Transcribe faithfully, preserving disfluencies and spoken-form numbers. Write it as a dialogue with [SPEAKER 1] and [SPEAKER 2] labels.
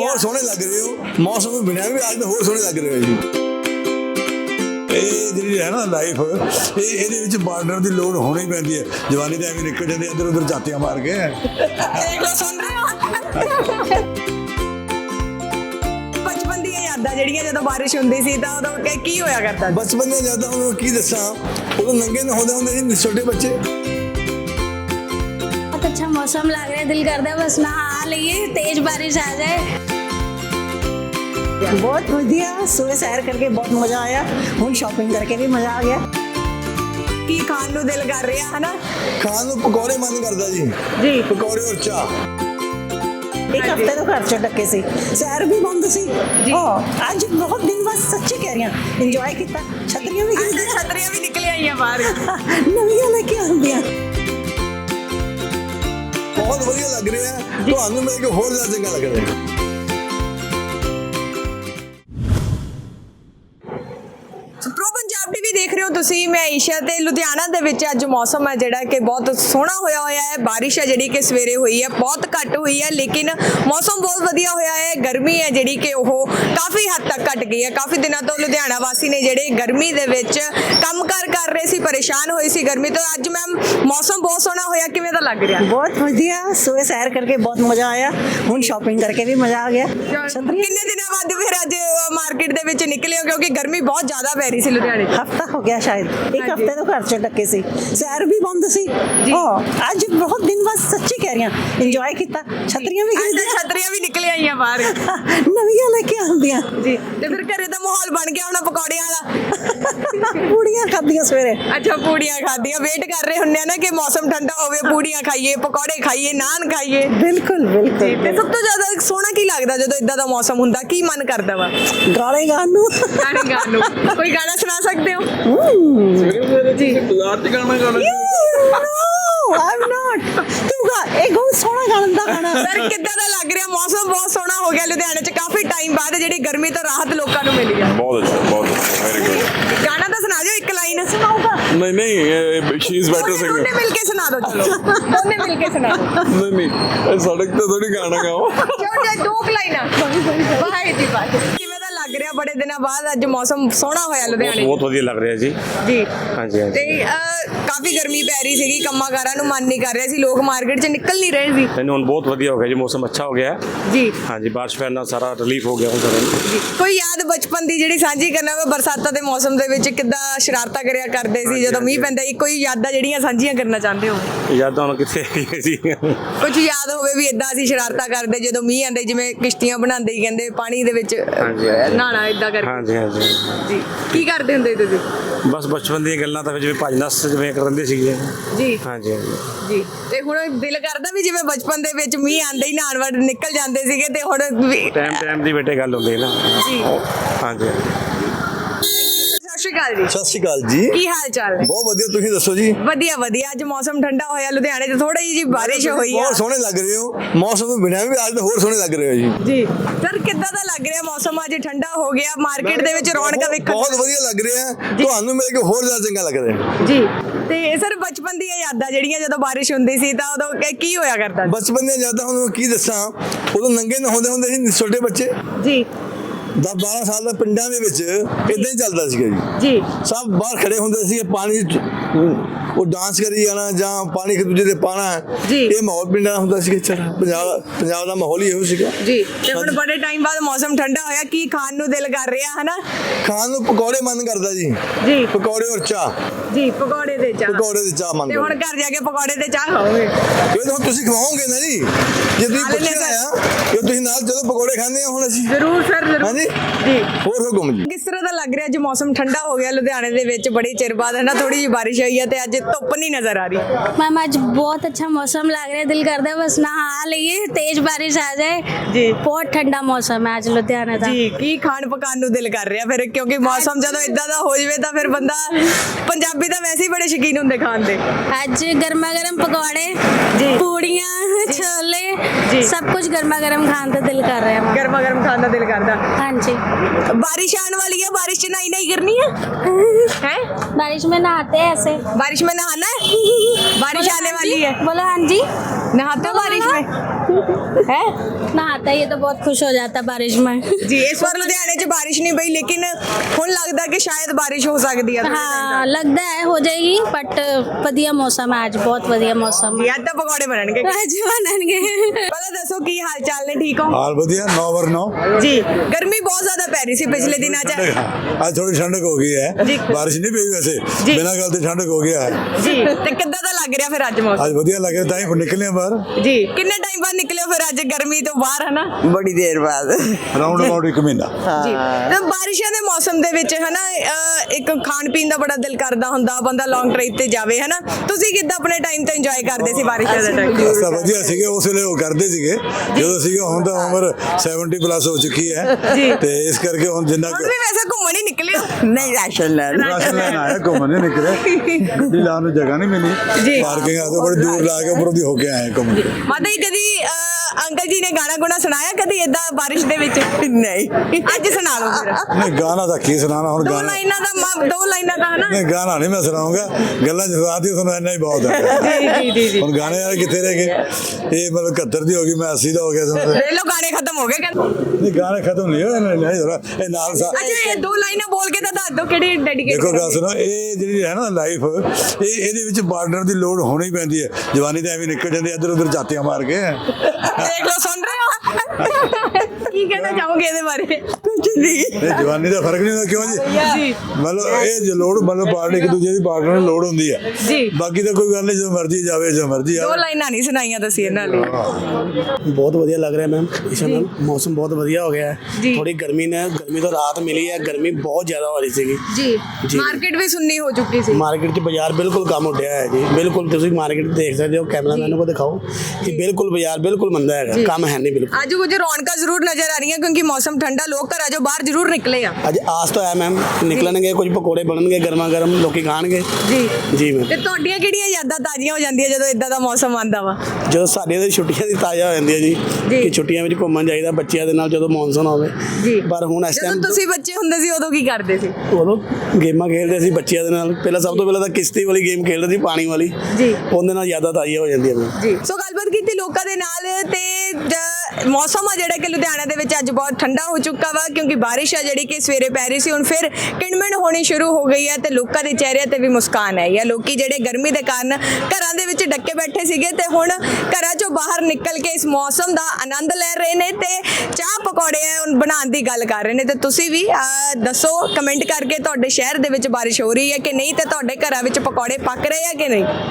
[SPEAKER 1] बहुत सोहने लग रहे हो मौसम में बिना भी आज तो होर सोहने लग रहे हो जी ਇਹ ਜਿਹੜੀ ਹੈ ਨਾ ਲਾਈਫ ਇਹ ਇਹਦੇ ਵਿੱਚ ਪਾਰਟਨਰ ਦੀ ਲੋੜ ਹੋਣੀ ਪੈਂਦੀ ਹੈ ਜਵਾਨੀ ਤਾਂ ਐਵੇਂ ਨਿਕਲ ਜਾਂਦੀ ਇੱਧਰ ਉੱਧਰ ਝਾਤੀਆਂ ਮਾਰ ਕੇ
[SPEAKER 2] ਦੇਖ ਲਓ ਸੁਣ ਰਹੇ ਹੋ ਬਚਪਨ ਦੀਆਂ ਯਾਦਾਂ ਜਿਹੜੀਆਂ ਜਦੋਂ ਬਾਰਿਸ਼ ਹੁੰਦੀ ਸੀ ਤਾਂ ਉਦੋਂ ਕੀ- ਕੀ ਹੋਇਆ ਕਰਦਾ ਸੀ?
[SPEAKER 1] ਬਚਪਨ ਦੀਆਂ ਯਾਦਾਂ ਹੁਣ ਕੀ ਦੱਸਾਂ ਉਦੋਂ ਨੰਗੇ ਨਾ ਹੁੰਦੇ ਹੁੰਦੇ ਸੀ ਛੋਟੇ ਬੱਚੇ
[SPEAKER 3] बहुत अच्छा मौसम लग रहा है, दिल करता है बस नहा लिए, तेज बारिश आ जाए।
[SPEAKER 4] बहुत बढ़िया, सुबह सैर करके बहुत मजा आया, ਹੁਣ ਸ਼ਾਪਿੰਗ ਕਰਕੇ ਵੀ ਮਜ਼ਾ ਆ ਗਿਆ।
[SPEAKER 2] ਕੀ ਖਾਣ ਨੂੰ ਦਿਲ ਕਰ ਰਿਹਾ ਹੈ ਨਾ
[SPEAKER 1] ਖਾਣ ਨੂੰ ਪਕੌੜੇ ਮਨ ਕਰਦਾ ਜੀ
[SPEAKER 2] ਜੀ
[SPEAKER 1] ਪਕੌੜੇ ਔਰ ਚਾਹ
[SPEAKER 4] ਇੱਕ ਹਫਤੇ ਤੋਂ ਘਰ ਚ ਡੱਕੇ ਸੀ, ਸੈਰ ਵੀ ਬੰਦ ਸੀ। ਹਾਂ ਅੱਜ ਬਹੁਤ ਦਿਨ ਬਾਅਦ ਸੱਚੀ ਕਹਿ ਰਹੀ ਹਾਂ ਇੰਜੋਏ ਕੀਤਾ, ਛਤਰੀਆਂ ਵੀ
[SPEAKER 2] ਅੱਜ
[SPEAKER 4] ਖਰੀਦੀਆਂ,
[SPEAKER 2] ਤਾਂ ਛਤਰੀਆਂ ਵੀ ਨਿਕਲ ਆਈਆਂ ਬਾਹਰ
[SPEAKER 4] ਨਵੀਆਂ ਲੈ ਕੇ ਆਉਂਦੀਆਂ।
[SPEAKER 1] ਬਹੁਤ ਵਧੀਆ ਲੱਗ ਰਿਹਾ ਹੈ ਤੁਹਾਨੂੰ ਮਿਲ ਕੇ ਹੋਰ ਜ਼ਿਆਦਾ ਚੰਗਾ ਲੱਗ ਰਿਹਾ ਹੈ
[SPEAKER 2] ਪ੍ਰੋ ਪੰਜਾਬ ਟੀਵੀ ਦੇਖ ਰਹੇ ਹੋ ਤੁਸੀਂ, ਮੈਂ ਈਸ਼ਾ ਤੇ ਲੁਧਿਆਣਾ ਦੇ ਵਿੱਚ ਅੱਜ ਮੌਸਮ ਹੈ ਜਿਹੜਾ ਕਿ ਬਹੁਤ ਸੋਹਣਾ ਹੋਇਆ ਹੋਇਆ ਹੈ। ਬਾਰਿਸ਼ ਹੈ ਜਿਹੜੀ ਕਿ ਸਵੇਰੇ ਹੋਈ ਹੈ, ਬਹੁਤ ਘੱਟ ਹੋਈ ਹੈ ਲੇਕਿਨ ਮੌਸਮ ਬਹੁਤ ਵਧੀਆ ਹੋਇਆ ਹੈ। ਗਰਮੀ ਹੈ ਜਿਹੜੀ ਕਿ ਉਹ ਕਾਫੀ ਹੱਦ ਤੱਕ ਘਟ ਗਈ ਹੈ। ਕਾਫੀ ਦਿਨਾਂ ਤੋਂ ਲੁਧਿਆਣਾ ਵਾਸੀ ਨੇ ਜਿਹੜੇ ਗਰਮੀ ਦੇ ਵਿੱਚ ਕੰਮਕਾਰ ਕਰ ਰਹੇ ਸੀ, ਪਰੇਸ਼ਾਨ ਹੋਏ ਸੀ ਗਰਮੀ ਤੋਂ। ਅੱਜ ਮੈਮ ਮੌਸਮ ਬਹੁਤ ਸੋਹਣਾ ਹੋਇਆ, ਕਿਵੇਂ ਦਾ ਲੱਗ ਰਿਹਾ?
[SPEAKER 4] ਬਹੁਤ ਵਧੀਆ, ਸਵੇਰ ਸੈਰ ਕਰਕੇ ਬਹੁਤ ਮਜ਼ਾ ਆਇਆ, ਹੁਣ ਸ਼ਾਪਿੰਗ ਕਰਕੇ ਵੀ ਮਜ਼ਾ ਆ ਗਿਆ।
[SPEAKER 2] ਕਿੰਨੇ ਦਿਨਾਂ ਬਾਅਦ ਫਿਰ ਅੱਜ ਮਾਰਕੀਟ ਦੇ ਵਿੱਚ ਨਿਕਲੇ ਹੋ ਕਿਉਂਕਿ ਗਰਮੀ ਬਹੁਤ ਜ਼ਿਆਦਾ ਪੈ ਰਹੀ ਸੀ ਲੁਧਿਆਣੇ 'ਚ?
[SPEAKER 4] ਹਫਤਾ ਹੋ ਗਿਆ ਸ਼ਾਇਦ, ਇੱਕ ਹਫਤੇ ਤੋਂ ਘਰ ਚ ਡੱਕੇ ਸੀ, ਸੈਰ ਵੀ ਬੰਦ ਸੀ। ਹਾਂ ਅੱਜ ਬਹੁਤ ਦਿਨ ਬਾਅਦ ਸੱਚੀ ਕਹਿ ਰਹੀ ਹਾਂ ਇੰਜੋਏ ਕੀਤਾ, ਛਤਰੀਆਂ ਵੀ
[SPEAKER 2] ਅੱਜ ਤਾਂ
[SPEAKER 4] ਖਰੀਦੀਆਂ,
[SPEAKER 2] ਛਤਰੀਆਂ ਵੀ ਨਿਕਲ ਆਈਆਂ ਬਾਹਰ
[SPEAKER 4] ਨਵੀਆਂ ਲੈ ਕੇ ਆਉਂਦੀਆਂ।
[SPEAKER 2] ਜੀ ਤੇ ਫਿਰ ਘਰੇ ਦਾ ਮਾਹੌਲ ਬਣ ਗਿਆ ਹੋਣਾ ਪਕੌੜਿਆਂ ਵਾਲਾ।
[SPEAKER 4] ਪੂੜੀਆਂ ਖਾਧੀਆਂ ਸਵੇਰੇ।
[SPEAKER 2] ਅੱਛਾ ਪੂੜੀਆਂ ਖਾਧੀਆਂ, ਵੇਟ ਕਰ ਰਹੇ ਹੁੰਦੇ ਆ ਨਾ ਕਿ ਮੌਸਮ ਠੰਡਾ ਹੋਵੇ, ਪੂੜੀਆਂ ਖਾਈਏ, ਪਕੌੜੇ ਖਾਈਏ, ਨਾਨ ਖਾਈਏ।
[SPEAKER 4] ਬਿਲਕੁਲ ਬਿਲਕੁਲ।
[SPEAKER 2] ਤੇ ਸਭ ਤੋਂ ਜ਼ਿਆਦਾ ਸੋਹਣਾ ਕੀ ਲੱਗਦਾ ਜਦੋਂ ਇਦਾਂ ਦਾ ਮੌਸਮ ਹੁੰਦਾ? ਕੀ ਮਨ ਕਰਦਾ ਵਾ?
[SPEAKER 4] ਗਾਣੇ ਗਾਣ ਨੂੰ।
[SPEAKER 2] ਗਾਣੇ ਗਾਣ ਨੂੰ। ਕੋਈ ਗਾਣਾ ਸੁਣਾ ਸਕਦੇ ਹੋ?
[SPEAKER 1] ਜੀ ਬਾਜ਼ਾਰ 'ਚ ਗਾਣਾ ਗਾਣਾ
[SPEAKER 4] No, I'm not. ਤੂੰ ਗਾ, ਇਹ ਬਹੁਤ ਸੋਹਣਾ ਗਾਣਾ ਦਾ ਗਾਣਾ।
[SPEAKER 2] ਸਰ ਕਿੱਦਾਂ ਦਾ ਲੱਗ ਰਿਹਾ? ਮੌਸਮ ਬਹੁਤ ਸੋਹਣਾ ਹੋ ਗਿਆ ਲੁਧਿਆਣੇ 'ਚ, ਕਾਫੀ ਟਾਈਮ ਬਾਅਦ ਜਿਹੜੀ ਗਰਮੀ ਤੋਂ ਰਾਹਤ ਲੋਕਾਂ ਨੂੰ ਮਿਲੀ ਆ।
[SPEAKER 5] बहुत अच्छा बहुत अच्छा वेरी गुड
[SPEAKER 2] ਗਾਣਾ ਤਾਂ ਸੁਣਾ ਦਿਓ, ਇੱਕ ਲਾਈਨ ਸੁਣਾਊਗਾ।
[SPEAKER 5] नहीं नहीं शी इज बेटर
[SPEAKER 2] ਦੋਨੇ
[SPEAKER 5] सिंगर
[SPEAKER 2] ਮਿਲ ਕੇ ਸੁਣਾ ਦਿਓ, ਚਲੋ ਦੋਨੇ ਮਿਲ ਕੇ ਸੁਣਾ ਦਿਓ।
[SPEAKER 5] नहीं नहीं सड़क पे थोड़ी गाना गाओ
[SPEAKER 2] ਕਿਉਂ ਜੇ ਦੋ ਕੁ ਲਾਈਨਾਂ ਵਾਹਿ ਜੀ ਵਾਹਿ। ਕਿਵੇਂ ਦਾ ਲੱਗ ਰਿਹਾ ਬੜੇ ਦਿਨਾਂ ਬਾਅਦ ਅੱਜ ਮੌਸਮ ਸੋਹਣਾ ਹੋਇਆ ਲੁਧਿਆਣੇ 'ਚ?
[SPEAKER 6] ਬਹੁਤ ਵਧੀਆ ਲੱਗ ਰਿਹਾ ਜੀ।
[SPEAKER 2] ਜੀ
[SPEAKER 6] ਹਾਂਜੀ ਹਾਂਜੀ
[SPEAKER 2] ਤੇ ਅਹ, ਕਾਫੀ ਗਰਮੀ ਪੈ ਰਹੀ ਸੀਗੀ, ਕੰਮਾਂ ਕਾਰਾਂ ਨੂੰ ਮਨ ਨਹੀਂ ਕਰ ਰਿਹਾ ਸੀ, ਲੋਕ ਮਾਰਕੀਟ 'ਚ ਨਿਕਲ ਨਹੀਂ ਰਹੇ ਸੀ।
[SPEAKER 6] ਮੈਨੂੰ ਹੁਣ ਬਹੁਤ ਵਧੀਆ ਹੋ ਗਿਆ ਜੀ, ਮੌਸਮ ਅੱਛਾ ਹੋ ਗਿਆ ਹੈ।
[SPEAKER 2] ਜੀ
[SPEAKER 6] ਹਾਂਜੀ ਬਾਰਿਸ਼ ਪੈਣ ਨਾਲ ਸਾਰਾ ਰਿਲੀਫ ਹੋ ਗਿਆ ਹੁਣ ਸਾਰਾ।
[SPEAKER 2] ਜੀ ਕੋਈ ਯਾਦ ਬਚਪਨ ਦੀ ਜਿਹੜੀ ਸਾਂਝੀ ਕਰਨਾ ਵਾ? ਬਰਸਾਤਾਂ ਦੇ ਮੌਸਮ ਦੇ ਵਿੱਚ ਕਿੱਦਾਂ ਸ਼ਰਾਰਤਾਂ ਕਰਿਆ ਕਰਦੇ ਸੀ ਜਦੋਂ ਮੀਂਹ ਪੈਂਦਾ ਸੀ? ਕੋਈ ਯਾਦਾਂ ਜਿਹੜੀਆਂ ਸਾਂਝੀਆਂ ਕਰਨਾ ਚਾਹੁੰਦੇ ਹੋ?
[SPEAKER 6] ਯਾਦਾਂ ਹੁਣ ਕਿੱਥੇ ਹੈਗੀਆਂ ਜੀ।
[SPEAKER 2] ਕੁਝ ਯਾਦ ਹੋਵੇ ਵੀ ਇਦਾਂ ਅਸੀਂ ਸ਼ਰਾਰਤਾਂ ਕਰਦੇ ਜਦੋਂ ਮੀਂਹ ਆਂਦੇ, ਜਿਵੇਂ ਕਿਸ਼ਤੀਆਂ ਬਣਾਉਂਦੇ ਸੀ ਕਹਿੰਦੇ ਪਾਣੀ ਦੇ ਵਿੱਚ
[SPEAKER 6] ਹਾਂਜੀ, ਹਾਂਜੀ।
[SPEAKER 2] ਨਹਾਣਾ ਇਦਾਂ ਕਰਕੇ?
[SPEAKER 6] ਹਾਂਜੀ ਹਾਂਜੀ
[SPEAKER 2] ਜੀ ਕੀ ਕਰਦੇ ਹੁੰਦੇ ਸੀ ਤੁਸੀਂ?
[SPEAKER 6] ਬਸ ਬਚਪਨ ਦੀਆਂ ਗੱਲਾਂ ਤਾਂ ਜਿਵੇਂ ਭੱਜ ਨੱਸ ਜਿਵੇਂ ਕਰਦੇ ਸੀਗੇ।
[SPEAKER 2] ਜੀ
[SPEAKER 6] ਹਾਂਜੀ ਹਾਂਜੀ
[SPEAKER 2] ਜੀ ਤੇ ਹੁਣ ਦਿਲ ਕਰਦਾ ਵੀ ਜਿਵੇਂ ਬਚਪਨ ਦੇ ਵਿੱਚ ਮੀਂਹ ਆਂਦੇ ਹੀ ਨਹਾਉਣ ਵਾਰ ਨਿਕਲ ਜਾਂਦੇ ਸੀਗੇ ਤੇ ਹੁਣ ਵੀ-
[SPEAKER 6] ਟਾਈਮ ਟਾਈਮ ਦੀ ਬੇਟੇ ਗੱਲ ਹੁੰਦੀ ਹੈ ਨਾ।
[SPEAKER 2] ਜੀ
[SPEAKER 6] ਹਾਂਜੀ
[SPEAKER 2] ਸਤਿ ਸ਼੍ਰੀ ਅਕਾਲ ਜੀ।
[SPEAKER 1] ਸਤਿ ਸ਼੍ਰੀ ਅਕਾਲ ਜੀ
[SPEAKER 2] ਕੀ ਹਾਲ ਚਾਲ ਨੇ?
[SPEAKER 1] ਬਹੁਤ ਵਧੀਆ ਤੁਸੀਂ ਦੱਸੋ ਜੀ
[SPEAKER 2] ਵਧੀਆ ਵਧੀਆ। ਅੱਜ ਮੌਸਮ ਠੰਡਾ ਹੋਇਆ ਲੁਧਿਆਣੇ 'ਚ, ਥੋੜੀ ਜਿਹੀ ਬਾਰਿਸ਼ ਹੋਈ ਆ।
[SPEAKER 1] ਬਹੁਤ ਸੋਹਣੇ ਲੱਗ ਰਹੇ ਹੋ ਮੌਸਮ ਤੋਂ ਬਿਨਾਂ ਵੀ ਅੱਜ ਤਾਂ ਹੋਰ ਸੋਹਣੇ ਲੱਗ ਰਹੇ ਹੋ ਜੀ
[SPEAKER 2] ਜੀ ਸਰ ਕਿੱਦਾਂ ਦਾ ਲੱਗ ਰਿਹਾ ਮੌਸਮ? ਅੱਜ ਠੰਡਾ ਹੋ ਗਿਆ, ਮਾਰਕੀਟ ਦੇ ਵਿੱਚ ਰੌਣਕਾਂ ਵੇਖਣ
[SPEAKER 1] ਬਹੁਤ ਵਧੀਆ ਲੱਗ ਰਿਹਾ ਹੈ ਤੁਹਾਨੂੰ ਮਿਲ ਕੇ ਹੋਰ ਜ਼ਿਆਦਾ ਚੰਗਾ ਲੱਗ ਰਿਹਾ ਹੈ
[SPEAKER 2] ਜੀ। ਤੇ ਸਰ ਬਚਪਨ ਦੀਆਂ ਯਾਦਾਂ ਜਿਹੜੀਆਂ ਜਦੋਂ ਬਾਰਿਸ਼ ਹੁੰਦੀ ਸੀ ਤਾਂ ਉਦੋਂ ਕੀ- ਕੀ ਹੋਇਆ ਕਰਦਾ?
[SPEAKER 1] ਬਚਪਨ ਦੀਆਂ ਯਾਦਾਂ ਹੁਣ ਕੀ ਦੱਸਾਂ ਉਦੋਂ ਨੰਗੇ ਨਾ ਹੁੰਦੇ ਹੁੰਦੇ ਸੀ ਛੋਟੇ ਬੱਚੇ
[SPEAKER 2] ਜੀ
[SPEAKER 1] ਦਸ ਬਾਰਾਂ ਸਾਲ ਦਾ ਪਿੰਡਾਂ ਦੇ ਵਿੱਚ ਇਦਾਂ ਹੀ ਚੱਲਦਾ ਸੀਗਾ ਜੀ
[SPEAKER 2] ਜੀ
[SPEAKER 1] ਸਭ ਬਾਹਰ ਖੜੇ ਹੁੰਦੇ ਸੀ ਪਾਣੀ 'ਚ ਉਹ ਡਾਂਸ ਕਰੀ ਜਾਣਾ ਜਾਂ ਪਾਣੀ ਇੱਕ ਦੂਜੇ ਦੇ ਪਾਣਾ
[SPEAKER 2] ਜੀ।
[SPEAKER 1] ਇਹ ਮਾਹੌਲ ਪਿੰਡਾਂ ਦਾ ਹੁੰਦਾ ਸੀਗਾ। ਚੜਾ ਪੰਜਾਬ ਪੰਜਾਬ ਦਾ ਮਾਹੌਲ ਹੀ ਇਹੋ ਸੀਗਾ।
[SPEAKER 2] ਜੀ ਤੇ ਹੁਣ ਬੜੇ ਟਾਈਮ ਬਾਅਦ ਮੌਸਮ ਠੰਡਾ ਹੋਇਆ, ਕੀ ਖਾਣ ਨੂੰ ਦਿਲ ਕਰ ਰਿਹਾ ਹੈ ਨਾ?
[SPEAKER 1] ਖਾਣ ਨੂੰ ਪਕੌੜੇ ਮਨ ਕਰਦਾ ਜੀ
[SPEAKER 2] ਜੀ
[SPEAKER 1] ਪਕੌੜੇ ਔਰ ਚਾਹ
[SPEAKER 2] ਜੀ ਪਕੌੜੇ ਦੇ ਚਾਹ।
[SPEAKER 1] ਪਕੌੜੇ ਦੀ ਚਾਹ ਮਨ
[SPEAKER 2] ਤੇ ਹੁਣ
[SPEAKER 1] ਕਰਦਾ
[SPEAKER 2] ਘਰ ਜਾ ਕੇ ਪਕੌੜੇ ਤੇ ਚਾਹ ਖਾਓਗੇ?
[SPEAKER 1] ਇਹ ਤਾਂ ਹੁਣ ਤੁਸੀਂ ਖਵਾਓਗੇ ਨਾ ਜੀ ਜੇ ਤੁਸੀਂ
[SPEAKER 2] ਨਾਲੇ
[SPEAKER 1] ਪੁੱਛਿਆ
[SPEAKER 2] ਲੈ
[SPEAKER 1] ਆ ਕਿ ਤੁਸੀਂ ਨਾਲ ਚਲੋ ਪਕੌੜੇ ਖਾਂਦੇ ਆ ਹੁਣ ਅਸੀਂ
[SPEAKER 2] ਜ਼ਰੂਰ ਸਰ ਜ਼ਰੂਰ
[SPEAKER 1] ਹਾਂਜੀ
[SPEAKER 2] ਜੀ।
[SPEAKER 1] ਹੋਰ ਹੁਕਮ ਜੀ
[SPEAKER 2] ਕਿਸ ਤਰ੍ਹਾਂ ਦਾ ਲੱਗ ਰਿਹਾ? ਅੱਜ ਮੌਸਮ ਠੰਡਾ ਹੋ ਗਿਆ ਲੁਧਿਆਣੇ ਦੇ ਵਿੱਚ, ਬੜੇ ਚਿਰ ਬਾਅਦ ਹੈ ਨਾ ਥੋੜੀ ਜਿਹੀ ਬਾਰਿਸ਼ ਹੋਈ ਹੈ ਤੇ ਅੱਜ ਧੁੱਪ ਨਹੀਂ ਨਜ਼ਰ ਆ ਰਹੀ।
[SPEAKER 3] मैम आज बहुत अच्छा मौसम लग रहा है, दिल करता है बस नहा लिए, तेज बारिश आ जाए।
[SPEAKER 2] जी
[SPEAKER 3] बहुत ठंडा मौसम है आज लुधियाना का।
[SPEAKER 2] ਜੀ ਕੀ ਖਾਣ ਪਕਾਣ ਨੂੰ ਦਿਲ ਕਰ ਰਿਹਾ ਫਿਰ? ਕਿਉਂਕਿ ਮੌਸਮ ਜਦੋਂ ਇਦਾਂ ਦਾ ਹੋ ਜਾਵੇ ਤਾਂ ਫਿਰ ਬੰਦਾ, ਪੰਜਾਬੀ ਤਾਂ ਵੈਸੇ ਹੀ ਬੜੇ ਸ਼ੌਕੀਨ ਹੁੰਦੇ ਖਾਣ ਦੇ।
[SPEAKER 3] आज गर्मा गर्म पकौड़े
[SPEAKER 2] जी।
[SPEAKER 3] पूड़ियाँ छोले
[SPEAKER 2] जी।
[SPEAKER 3] सब कुछ गर्मा गर्म खाने का दिल कर रहा है।
[SPEAKER 2] ਗਰਮਾ ਗਰਮ ਖਾਣ ਦਾ ਦਿਲ ਕਰਦਾ।
[SPEAKER 3] हाँ जी।
[SPEAKER 2] ਬਾਰਿਸ਼ ਆਉਣ ਵਾਲੀ ਹੈ, ਬਾਰਿਸ਼ 'ਚ ਨਹਾਈ ਨਹੀਂ ਕਰਨੀ है हैं?
[SPEAKER 3] बारिश में नहाते हैं ऐसे।
[SPEAKER 2] बारिश में नहाना है? बारिश
[SPEAKER 3] बोलो
[SPEAKER 2] आने
[SPEAKER 3] हाँ
[SPEAKER 2] वाली
[SPEAKER 3] जी,
[SPEAKER 2] है।
[SPEAKER 3] बोलो हाँ जी।
[SPEAKER 2] नहाते हो बारिश में है
[SPEAKER 3] नहाता है ये तो बहुत खुश हो जाता है बारिश में।
[SPEAKER 2] जी इस बार लुधियाने च बारिश नहीं पई लेकिन हुण लगदा कि शायद बारिश हो सकदी है
[SPEAKER 3] हाँ लगता है हो जाएगी बट वधिया मौसम है आज बहुत वधिया मौसम
[SPEAKER 2] जी ਅੱਜ ਤਾਂ ਪਕੌੜੇ ਬਣਨਗੇ
[SPEAKER 3] आज बनाएंगे।
[SPEAKER 2] ਪਹਿਲਾਂ ਦੱਸੋ ਕੀ ਹਾਲ ਚਾਲ ਨੇ ਠੀਕ ਹੋ
[SPEAKER 1] ਹਾਲ ਵਧੀਆ ਨੌ ਵਰ ਨੌ
[SPEAKER 2] जी गर्मी बहुत ज्यादा पै रही सी पिछले दिनों च
[SPEAKER 1] ਅੱਜ ਥੋੜੀ ਠੰਡਕ ਹੋ ਗਈ ਹੈ
[SPEAKER 2] ਜੀ।
[SPEAKER 1] ਬਾਰਿਸ਼ ਨਹੀਂ ਪਈ ਵੈਸੇ
[SPEAKER 2] ਜੀ।
[SPEAKER 1] ਬਿਨਾਂ ਗੱਲ ਤੇ ਠੰਡਕ ਹੋ ਗਿਆ ਹੈ
[SPEAKER 2] जी ਤੇ ਕਿੱਦਾਂ ਦਾ ਲੱਗ ਰਿਹਾ ਫਿਰ ਅੱਜ ਮੌਸਮ
[SPEAKER 1] ਅੱਜ ਵਧੀਆ ਲੱਗਿਆ ਤਾਂ ਹੀ ਨਿਕਲੇ ਬਾਹਰ
[SPEAKER 2] ਜੀ ਕਿੰਨੇ ਟਾਈਮ ਬਾਅਦ ਨਿਕਲੇ ਹੋ ਫਿਰ ਅੱਜ ਗਰਮੀ ਤੋਂ ਬਾਹਰ ਹਨਾ
[SPEAKER 7] ਬੜੀ ਦੇਰ ਬਾਅਦ
[SPEAKER 1] ਰਾਉਂਡ ਅਬਾਊਟ ਇੱਕ ਮਹੀਨਾ
[SPEAKER 2] ਜੀ ਤੇ ਬਾਰਿਸ਼ਾਂ ਦੇ ਮੌਸਮ ਦੇ ਵਿੱਚ ਹਨਾ ਅਹ, ਇੱਕ ਖਾਣ ਪੀਣ ਦਾ ਬੜਾ ਦਿਲ ਕਰਦਾ ਹੁੰਦਾ ਬੰਦਾ ਲੌਂਗ ਡਰਾਈਵ ਤੇ ਜਾਵੇ ਹਨਾ ਤੁਸੀਂ ਕਿੱਦਾਂ ਆਪਣੇ ਟਾਈਮ ਤੇ ਇੰਜੋਏ ਕਰਦੇ ਸੀ ਬਾਰਿਸ਼ਾਂ ਦਾ ਟਾਈਮ
[SPEAKER 1] ਰਸਤਾ ਵਧੀਆ ਸੀਗੇ ਉਸ ਵੇਲੇ ਉਹ ਕਰਦੇ ਸੀਗੇ ਜਦੋਂ ਸੀਗਾ ਹੁਣ ਤਾਂ ਉਮਰ ਸੱਤਰ ਪਲੱਸ ਹੋ ਚੁੱਕੀ ਹੈ
[SPEAKER 2] ਜੀ।
[SPEAKER 1] ਤੇ ਇਸ ਕਰਕੇ ਹੁਣ ਜਿੰਨਾ
[SPEAKER 2] ਹੁਣ ਵੀ ਵੈਸੇ ਘੁੰਮਣ ਹੀ ਨਿਕਲੇ ਹੋ
[SPEAKER 7] ਨਹੀਂ ਰਾਸ਼ਨ ਲੈਣ
[SPEAKER 1] ਰਾਸ਼ਨ ਲੈਣ ਆਇਆ ਘੁੰਮਣ ਨਹੀਂ ਨਿਕਲੇ ਗੱਡੀ ਲਾਉਣ ਨੂੰ ਜਗ੍ਹਾ ਨਹੀਂ
[SPEAKER 2] ਜੀ।
[SPEAKER 1] ਮਿਲੀ ਪਾਰਕਿੰਗ ਆ ਤੋਂ ਬੜੀ ਦੂਰ ਲਾ ਕੇ ਉੱਪਰੋਂ ਦੀ ਹੋ ਕੇ ਆਏ ਘੁੰਮ ਕੇ
[SPEAKER 2] ਮਾਤਾ ਜੀ ਕਦੀ ਅਹ, ਅੰਕਲ ਜੀ ਨੇ ਗਾਣਾ ਗੁਣਾ ਸੁਣਾਇਆ ਕਦੀ ਏਦਾਂ ਬਾਰਿਸ਼ ਦੇ ਵਿੱਚ
[SPEAKER 7] ਨਹੀਂ
[SPEAKER 2] ਅੱਜ ਸੁਣਾ ਲਓ ਫਿਰ
[SPEAKER 1] ਨਹੀਂ ਗਾਣਾ ਤਾਂ ਕੀ ਸੁਣਾਉਣਾ ਹੁਣ
[SPEAKER 2] ਦੋ
[SPEAKER 1] ਗਾਣਾ
[SPEAKER 2] ਲਾਈਨਾਂ ਦਾ ਮ- ਦੋ ਲਾਈਨਾਂ ਦਾ ਹਨਾ
[SPEAKER 1] ਨਹੀਂ ਗਾਣਾ ਨਹੀਂ ਮੈਂ ਸੁਣਾਉਂਗਾ ਗੱਲਾਂ ਜਜ਼ਬਾਤੀ ਤੁਹਾਨੂੰ ਇੰਨਾ ਹੀ ਬਹੁਤ ਹੈ
[SPEAKER 2] ਜੀ ਜੀ ਜੀ
[SPEAKER 1] ਹੁਣ ਗਾਣੇ ਯਾਰ ਕਿੱਥੇ ਰਹਿ ਗਏ ਇਹ ਮਤਲਬ ਇਕਹੱਤਰ ਦੀ ਹੋ ਗਈ ਮੈਂ ਅੱਸੀ ਦਾ ਹੋ ਗਿਆ ਸੁਣਦੇ
[SPEAKER 2] ਦੇਖ ਲਓ ਗਾਣੇ ਖਤਮ ਹੋ ਗਏ ਕਹਿੰਦੇ
[SPEAKER 1] ਨਹੀਂ ਗਾਣੇ ਖਤਮ ਨਹੀਂ ਹੋਏ ਨਹੀਂ ਨਹੀਂ ਜ਼ਰਾ ਇਹ ਨਾਲ ਸਾ
[SPEAKER 2] ਅੱਛਾ ਇਹ ਦੋ ਲਾਈਨਾਂ ਬੋਲ ਕੇ ਤਾਂ ਦੱਸ ਦਿਓ ਕਿਹੜੀ ਡੈਡੀਕੇਟ
[SPEAKER 1] ਦੇਖੋ ਗੱਲ ਸੁਣੋ ਇਹ ਜਿਹੜੀ ਹੈ ਨਾ ਲਾਈਫ ਇਹ ਇਹਦੇ ਵਿੱਚ ਪਾਰਟਨਰ ਦੀ ਲੋੜ ਹੋਣੀ ਪੈਂਦੀ ਹੈ ਜਵਾਨੀ ਤਾਂ ਐਵੇਂ ਨਿਕਲ ਜਾਂਦੀ ਇੱਧਰ ਉੱਧਰ ਝਾਤੀਆਂ ਮਾਰ ਕੇ
[SPEAKER 2] ਦੇਖ ਲਓ ਸੁਣ ਰਹੇ ਹੋ ਕੀ ਕਹਿਣਾ ਚਾਹੋਗੇ ਇਹਦੇ ਬਾਰੇ
[SPEAKER 7] ਕੁਝ ਨਹੀਂ
[SPEAKER 1] ਇਹ ਜਵਾਨੀ ਦਾ ਫਰਕ ਨਹੀਂ ਹੁੰਦਾ ਕਿਉਂ ਜੀ
[SPEAKER 2] ਜੀ
[SPEAKER 1] ਮਤਲਬ ਇਹ ਜੋ ਲੋੜ ਮਤਲਬ ਪਾਰਟਨਰ ਇੱਕ ਦੂਜੇ ਦੀ ਪਾਰਟਨਰ ਨੂੰ ਲੋੜ ਹੁੰਦੀ ਹੈ
[SPEAKER 2] ਜੀ
[SPEAKER 1] ਬਾਕੀ ਤਾਂ ਕੋਈ ਗੱਲ ਨਹੀਂ ਜੋ ਮਰਜ਼ੀ ਜਾਵੇ ਜੋ ਮਰਜ਼ੀ
[SPEAKER 2] ਦੋ
[SPEAKER 1] ਆਵੇ
[SPEAKER 2] ਲਾਈਨਾਂ ਨਹੀਂ ਸੁਣਾਈਆਂ ਤੁਸੀਂ ਇਹਨਾਂ ਲਈ
[SPEAKER 8] ਬਹੁਤ ਵਧੀਆ ਲੱਗ ਰਿਹਾ ਮੈਮ ਇਸ ਨਾਲ ਮੌਸਮ ਬਹੁਤ ਵਧੀਆ ਹੋ ਗਿਆ
[SPEAKER 2] ਜੀ।
[SPEAKER 8] ਹੈ ਥੋੜੀ ਗਰਮੀ ਨੇ ਗਰਮੀ ਤੋਂ ਰਾਹਤ ਮਿਲੀ ਹੈ ਗਰਮੀ ਬਹੁਤ ਜ਼ਿਆਦਾ ਹੋ ਰਹੀ ਸੀਗੀ
[SPEAKER 2] ਜੀ
[SPEAKER 8] ਜੀ।
[SPEAKER 2] ਮਾਰਕੀਟ ਵੀ ਸੁੰਨੀ ਹੋ ਚੁੱਕੀ ਸੀ
[SPEAKER 8] ਮਾਰਕੀਟ 'ਚ ਬਾਜ਼ਾਰ ਬਿਲਕੁਲ ਕੰਮ ਉੱਡਿਆ ਹੈ ਜੀ ਬਿਲਕੁਲ ਤੁਸੀਂ ਮਾਰਕੀਟ ਦੇਖ ਸਕਦੇ ਹੋ ਕੈਮਰਾਮੈਨ ਨੂੰ ਦਿਖਾਓ ਕਿ ਬਿਲਕੁਲ ਬਾਜ਼ਾਰ ਬਿਲਕੁਲ ਮੰਦਾ ਹੈਗਾ ਕੰਮ ਹੈ ਨਹੀਂ ਬਿਲਕੁਲ
[SPEAKER 2] ਅੱਜ ਕੁਝ ਰੌਣਕਾਂ ਜ਼ਰੂਰ ਨਜ਼ਰ ਆ ਰਹੀਆਂ ਕਿਉਂਕਿ ਮੌਸਮ ਠੰਡਾ ਲੋਕ ਘਰਾਂ ਚੋਂ ਬਾਹਰ ਜ਼ਰੂਰ ਨਿਕਲੇ ਆ
[SPEAKER 8] ਅੱਜ ਆਸ ਤਾਂ ਹੈ ਮੈਮ ਨਿਕਲਣਗੇ ਕੁਝ ਪਕੌੜੇ ਬਣਨਗੇ ਗਰਮਾ ਗਰਮ ਲੋਕੀ ਖਾਣਗੇ
[SPEAKER 2] ਜੀ
[SPEAKER 8] ਜੀ ਮੈਮ
[SPEAKER 2] ਤੇ ਤੁਹਾਡੀਆਂ ਕਿਹੜੀਆਂ ਯਾਦਾਂ ਤਾਜ਼ੀਆਂ ਹੋ ਜਾਂਦੀਆਂ ਜਦੋਂ ਇਦਾਂ ਦਾ ਮੌਸਮ ਆਂਦਾ ਵਾ
[SPEAKER 8] ਜਦੋਂ ਸਾਡੀਆਂ ਦੀ ਛੁੱਟੀਆਂ ਦੀ ਤਾਜ਼ਾ ਹੋ ਜਾਂਦੀ ਹੈ ਜੀ
[SPEAKER 2] ਜੀ।
[SPEAKER 8] ਕਿ ਛੁੱਟੀਆਂ ਵਿੱਚ ਘੁੰਮਣ ਜਾਈਦਾ ਬੱਚਿਆਂ ਦੇ ਨਾਲ ਜਦੋਂ ਮੌਨਸੂਨ ਹੋਵੇ
[SPEAKER 2] ਜੀ
[SPEAKER 8] ਪਰ ਹੁਣ ਇਸ
[SPEAKER 2] ਜਦੋਂ
[SPEAKER 8] ਟਾਈਮ
[SPEAKER 2] ਤੁਸੀਂ ਬੱਚੇ ਹੁੰਦੇ ਸੀ ਉਦੋਂ ਕੀ ਕਰਦੇ ਸੀ
[SPEAKER 8] ਉਦੋਂ ਗੇਮਾਂ ਖੇਡਦੇ ਸੀ ਬੱਚਿਆਂ ਦੇ ਨਾਲ ਪਹਿਲਾਂ ਸਭ ਤੋਂ ਪਹਿਲਾਂ ਤਾਂ ਕਿਸ਼ਤੀ ਵਾਲੀ ਗੇਮ ਖੇਡਦੇ ਸੀ ਪਾਣੀ ਵਾਲੀ
[SPEAKER 2] ਜੀ
[SPEAKER 8] ਉਹਦੇ ਨਾਲ ਜ਼ਿਆਦਾ ਤਾਜ਼ੀਆਂ ਹੋ ਜਾਂਦੀਆਂ ਨੇ
[SPEAKER 2] ਜੀ ਸੋ ਗੱਲਬਾਤ ਕੀਤੀ ਲੋਕਾਂ ਦੇ ਨਾਲ ਤੇ ਜ- ਮੌਸਮ ਆ ਜਿਹੜਾ ਕਿ ਲੁਧਿਆਣਾ ਦੇ ਵਿੱਚ ਅੱਜ ਬਹੁਤ ਠੰਡਾ ਹੋ ਚੁੱਕਾ ਵਾ ਕਿਉਂਕਿ ਬਾਰਿਸ਼ ਆ ਜਿਹੜੀ ਕਿ ਸਵੇਰੇ ਪੈ ਰਹੀ ਸੀ ਹੁਣ ਫਿਰ ਕਿਣਮਿਣ ਹੋਣੀ ਸ਼ੁਰੂ ਹੋ ਗਈ ਹੈ ਤੇ ਲੋਕਾਂ ਦੇ ਚਿਹਰਿਆਂ ਤੇ ਵੀ ਮੁਸਕਾਨ ਆਈ ਹੈ ਲੋਕੀ ਜਿਹੜੇ ਗਰਮੀ ਦੇ ਕਾਰਨ ਘਰਾਂ ਦੇ ਵਿੱਚ ਡੱਕੇ ਬੈਠੇ ਸੀਗੇ ਤੇ ਹੁਣ ਘਰਾਂ ਚੋਂ ਬਾਹਰ ਨਿਕਲ ਕੇ ਇਸ ਮੌਸਮ ਦਾ ਆਨੰਦ ਲੈ ਰਹੇ ਨੇ ਤੇ ਚਾਹ ਪਕੌੜੇ ਆ ਉਹ ਬਣਾਉਣ ਦੀ ਗੱਲ ਕਰ ਰਹੇ ਨੇ ਤੇ ਤੁਸੀਂ ਵੀ ਅਹ, ਦੱਸੋ ਕਮੈਂਟ ਕਰਕੇ ਤੁਹਾਡੇ ਸ਼ਹਿਰ ਦੇ ਵਿੱਚ ਬਾਰਿਸ਼ ਹੋ ਰਹੀ ਹੈ ਕਿ ਨਹੀਂ ਤੇ ਤੁਹਾਡੇ ਘਰਾਂ ਵਿੱਚ ਪਕੌੜੇ ਪੱਕ ਰਹੇ ਆ ਕਿ ਨਹੀਂ।